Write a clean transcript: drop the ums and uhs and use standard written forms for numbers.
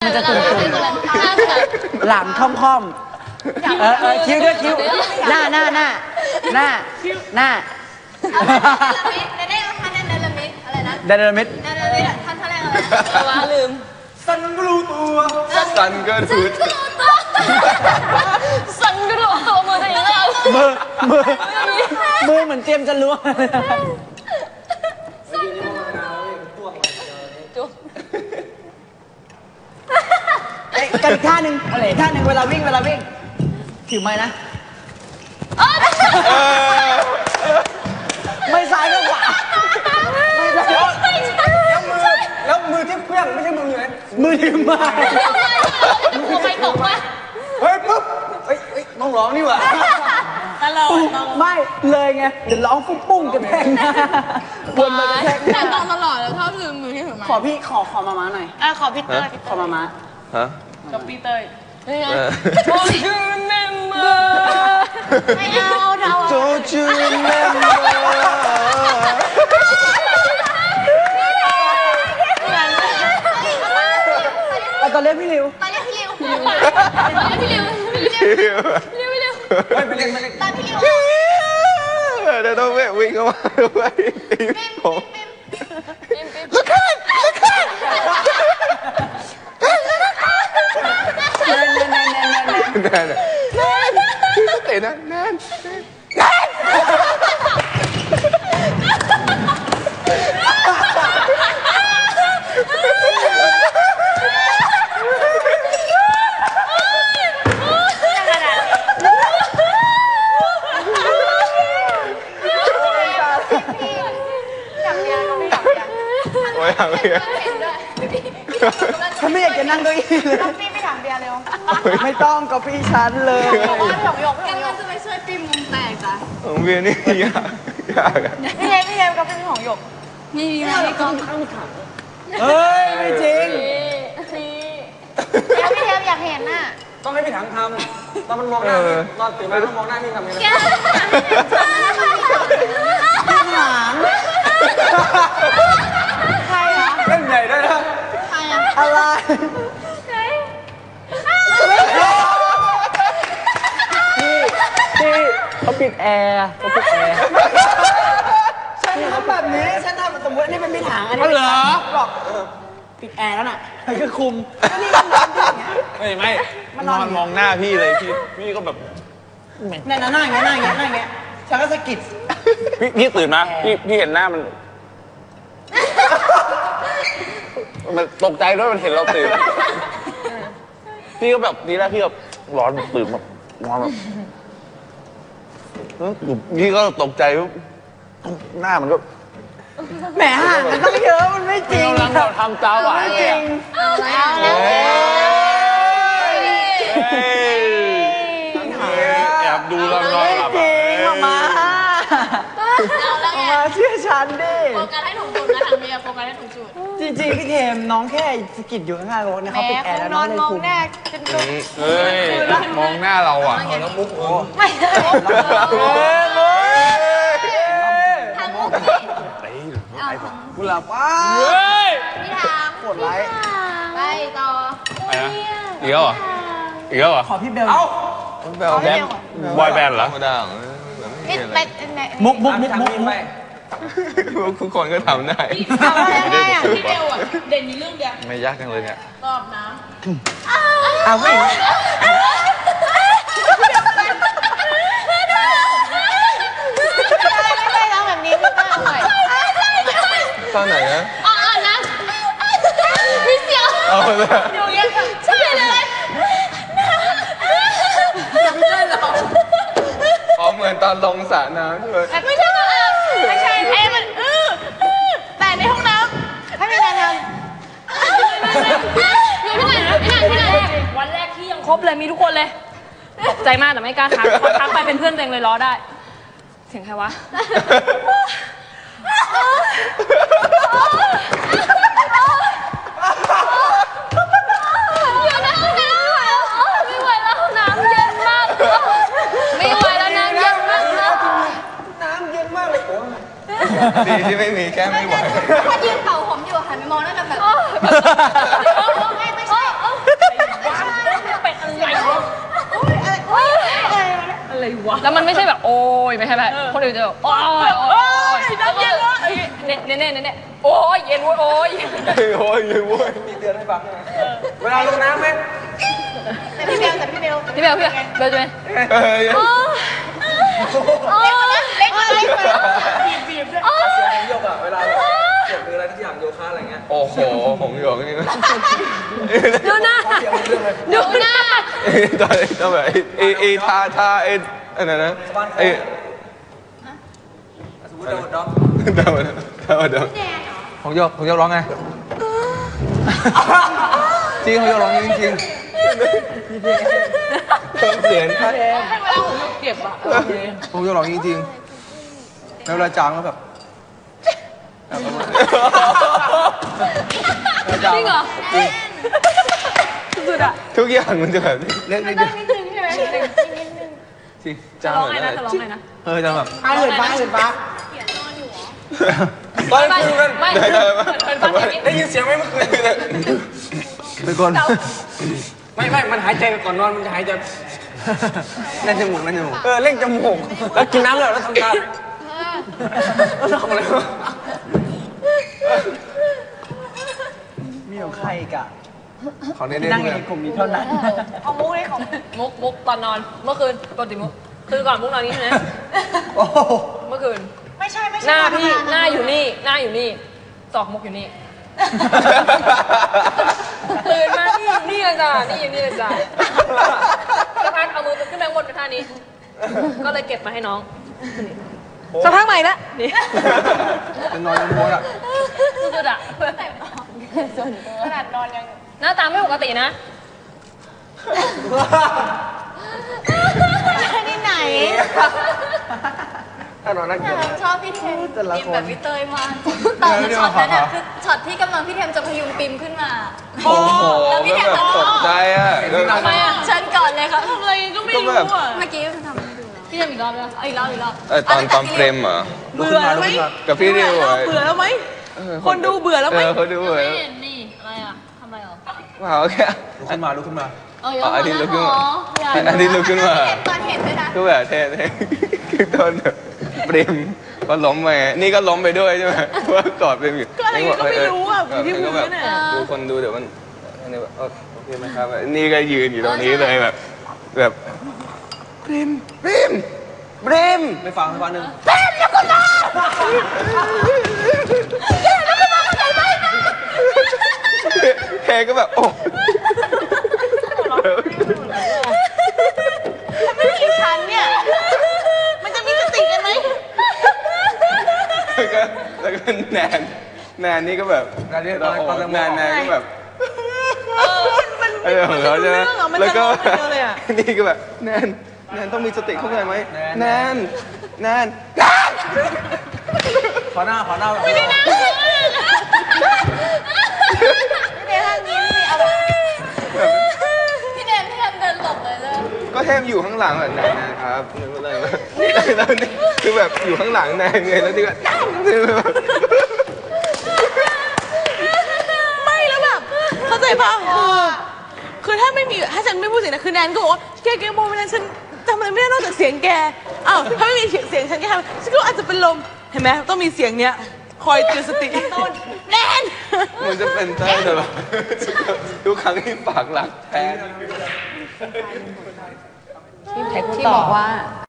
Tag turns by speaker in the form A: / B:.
A: มันจะตุ่มๆหลังค่อมๆคิ้วด้วยคิ้วหน้าเ
B: ได้ท่านเดลมิดอะไรนะ
A: เดลมิด
B: ท่านแรกอะไรนะลืม
C: สันก็รู้ตัวสันก็รู้ตัว
B: สันก็รู้ตัวมือจะยังไง
A: มือเหมือนเตรียมจะล้วงกันอีกท่าหนึ่งอีกท่าหนึ่งเวลาวิ่งถือไม้นะไม่ซ้ายก็ขวาแล้วมือที่เพื่อนไม่ใช่มือเลยมือถือไม้
B: มือไปตกมา
A: เฮ้ยปุ๊บเฮ้ยต้องร้องนี่หว่า
B: ตลอด
A: ไม่เลยไงเดี๋ยวร้องปุ้งกันแทงนะวนไปแทง
B: แต่ต้องตลอดแล้วชอบลืมมือที่ถือไม้
A: ขอพี่ขอมาม้าหน่อย
B: ขอพี่เต้ย
A: ขอมาม้า
C: ฮะ
B: กับพี่เต้ยDon't you remember ไม่เอาเรา
C: Don't you remember
A: ตอนเล่นพี่ริว
B: ตอนพี่ริว
C: เดี๋ยวต้องวิ่งเข้ามาไปผมเตะนะแน่น
A: ฉันไม่อยากจะนั่งเก้าอี้เลย
B: พี่ไปถามเบียร์เร็ว
A: ไม่ต้องกับพี่ฉันเลย
B: กันมันจะไปช่วยปีมุมแตกจ้ะ
C: ของเบียร์นี่ยาก
B: พี่เทมกับเป็นของหยกไม่มีอะไรก็
A: เฮ้ยไม่จริง
B: แล้วพี่เทมอยากเห็นน่ะ
A: ต้องให้พี่ถังทำตอนมันมองหน้าพี่ตอนตื่นมาต้องมองหน้าพี่ทำยังไงพี่ถัง
B: ใครอ่ะ
A: เล่นใหญ่ด้วยนะ
B: ใครอ่ะ
A: อะไรพี่เขาปิดแอร์ฉันทำแบบนี้ฉันทำสมมตินี่เป็นพี่ถังอันนี้เหรอบอกปิดแอร์แล้วน่ะมันก็คุมนี่ก็นอนอย่างเงี้ย
C: ไม่นอนมองหน้าพี่เลยพี่ก็แบบ
A: นั่นอย่างเงี้ยฉันก็สะกิด
C: พี่ตื่นมาพี่เห็นหน้ามันตกใจด้วยมันเห็นเราตื่นพี่ก็แบบทีแรกพี่แบบร้อนตื่นแบบนอนแบบพี่ก็ตกใจหน้ามันก็
A: แหมห่างกันต้องเยอะมันไม่จริง
C: เราทำตาหวาน
A: จริง
C: แอบดูเรานอนหลับ
A: จริงมาเชื่อฉันดิ
B: โฟกัสให้ถูกจุดนะทางเบียร์โฟกัสให้ถูกจุด
A: จริงๆพี่เทมน้องแค่สกิดอยู่ข้างๆรถเนี่ยเขาปิดแอร์แล้วน้องเลยคุม
C: เฮ้ยมองหน้าเราอ่ะแล้วมุกโอ้
B: ไม่ได้
C: ทางมุก
A: กุหลาบว้า
B: พี่ทาง
A: ปวดไว้
B: ไปต่อ
C: อีกแล้วเหรอ
A: ขอพี่เบล
C: แบนบอยแบนด์เหรอ
A: มุก
C: ทุกคนก็ทำได้
B: ไม่ได้พี่เบลอ่ะเด่นมีเรื่องเดียว
C: ไม่ยากจังเลยเนี่ย
B: ตอบน้ำ
A: เอาไม่
B: ได้ร้องแบบนี้ไม่ได้อร่อย
C: ตอนไหนนะ
B: นะพี่เสียวอยู่ยังใช่เลยไม่ได้หรอก
C: เหมือนตอนลงสระน้ำ
B: ไม่ใช่มันแต่ในห้องน้ำให้มีงานทำอยู่ที่ไหนวันแรกที่ยังครบเลยมีทุกคนเลยตกใจมากแต่ไม่กล้าทักพอทักไปเป็นเพื่อนตัวเองเลยล้อได้เสียงใครวะอยู่ในห้องน้ำไม่ไหวแล้วห้องน้ำเย็นมากไม่ไหวแล้วน้ำเย็นมาก
A: น้ำเย็นมากเลย
C: ดีที่ไม่มีแค่ไม่ไหว
B: ถ้ายืนเป่าผมอยู่หันไปมองแล้วแบบไม่ใช่แล้วมันไม่ใช่แบบโอ้ยไม่ใช่แบบคนอื่นจะแบบโอ้ยโอ้ยน้ำเย็นเลยเน่โอ้ยเย็นโว้ยโอ้ย
C: โอ้ยเลยเว้ย
D: มีเตือนให้ฟังนะเวลาลงน้ำไหม
A: แต่พี่เบล
B: พี่เบลจะไหม
C: เอ้ย
A: เล็กเลย
D: เสียงของโยกอะเวลาแบบเกี่ยวกับอะไรที่อย่างโยคะอะไรเงี้ย
C: โอ้โหผมอยู่นี่
B: ดูหน้าดูหน้า
C: ตอนแบบไอ้ท่าไอ้อะไรนะไอ้
D: สมมติเราดอก
C: เดา
D: ของโยกร้องไงจริงของโยกร้องจริง
C: เสียง
B: ให้เวลาผมเก็บอะ
D: ของโยกร้องจริงๆแล้วเวลาจางแล้วแบบ
B: จริงเหรอสุดอะ
C: ทุกอย่างมันจะแบบเล็กนิดเดียว
B: นิดนึงใช่ไหม
D: จริง
B: จะร้องไงนะจะร้องไงนะ
D: จะแบบ
A: เหินฟ้า
D: ตอนคืนกัน
B: ไม่
D: ได้ยินเสียงไหมเมื่อคืนเป็นคนไม่มันหายใจก่อนนอนมันจะหายใจเล่นจมูกเล่นจมูกแล้วกินน้ำแล้วทำตาแล้วทำอะไรวะมีของใครอีกอะของเน่ๆ
A: นั่งในกลุ่มนี้เท่านั้นเอามุ้งเลยของ
B: มุกตอนนอนเมื่อคืนปกติมุกคือก่อนมุกนอนนี้ใช่ไหม
A: โอ้โห
B: เมื่อคืน
A: ไม่ใช่
B: หน้าพี่หน้าอยู่นี่ศอกมุกอยู่นี่ตื่นมานี่เลยจ้ะนี่อยู่นี่เลยจ้ะสักพักเอามือขึ้นไปบนเป็นท่านี้ ก็เลยเก็บมาให้น้องสักพักใหม่ละนี่
D: เป็นนอนยังโวยอ่ะ
B: สุดๆอะขนาดนอนยังหน้าตาไม่ปกตินะ
A: ที่ไหน
D: ถ้านอนนั่งเกี่ยว
E: ชอบพี่เทม
D: แต่ละ
E: ปิม
D: คน
E: แบบพี่เตยมากตอนช็อตนั้นอะคือช็อตที่กำลังพี่เทมจะพยุงปิมขึ้นมา
C: โอ้โห
E: แล้วพี่
C: ก็
E: เทม
C: แบบ
E: จะ
C: ตกใจอ่ะ
B: ทำไมอะ
E: เชิญก่อนเลยค่ะ
B: ทำอะไรก็ไม่รู้อะ
E: เมื่อกี้ทำให้ดูแล้ว
B: พี่ทำอีกรอบแล้ว
E: เอาอีกรอบอีกรอบ
C: ตอนเฟรมเหรอ
D: เบื่อไหม
C: กับพี่ริว
A: เบื่อแล้วไหม คนดูเบื่อแล้วไหม
C: เขาดูเบื่อ
B: ไม่เห็นนี่อะไรอะทำไมหรอ
C: ว้าวแค่
D: ลุกขึ้นมา
C: อันนี้ลุกขึ้นมาอันนี้ลุกขึ้นมา
E: ตอนเห็นด้วยนะ
C: ก็แบบเท่คือตอนแบบเปรมก็ล้มไปนี่ก็ล้มไปด้วยใช่ไหมเพราะว่ากอดเปรมอยู่
A: ก็อะไรก็ไม่รู้อ่ะอยู่ที่พื้นน่ะ
C: ดูคนดูเดี๋ยวมันอันนี้แบบโอเคไหมครับนี่ก็ยืนอยู่ตรงนี้เลยแบบเปรม
D: ไม่ฟังหนึ่ง
C: แค่ก็แบบโอ้
A: ไม่กี่ชั้นเนี่ย มันจะมีสติกันไหม
C: แล้วก็แนนนี่ก็แบบแนนก็แบบของเขาใช่ไหมแล้วก็นี่ก็แบบแนนต้องมีสติเข้าใจไหมแนน
D: ขอหน้าไม่ได้นะ
E: พี่เทมห้ามยิ้มสิเอาแบบพี่เทมเดินหลบเลยเลย
C: ก็แทบอยู่ข้างหลังแบบนะครับแล้วนี่คือแบบอยู่ข้างหลังแนนไงแล้วนี่ก็
A: ไม่แล้วแบบเข้าใจป่ะคือถ้าไม่มีถ้าฉันไม่พูดเสียงนะคือแนนก็บอกว่าแกโมไม่นั้นฉันทำอะไรไม่ได้นอกจากเสียงแกอ้าวถ้าไม่มีเสียงฉันแกทำฉันก็อาจจะเป็นลมเห็นไหมต้องมีเสียงเนี้ยคอยเตือนสติต้นแนน
C: มันจะเป็นเต้ยแต่แบบทุกครั้งที่ปากหลักแทน
E: ที่บอกว่า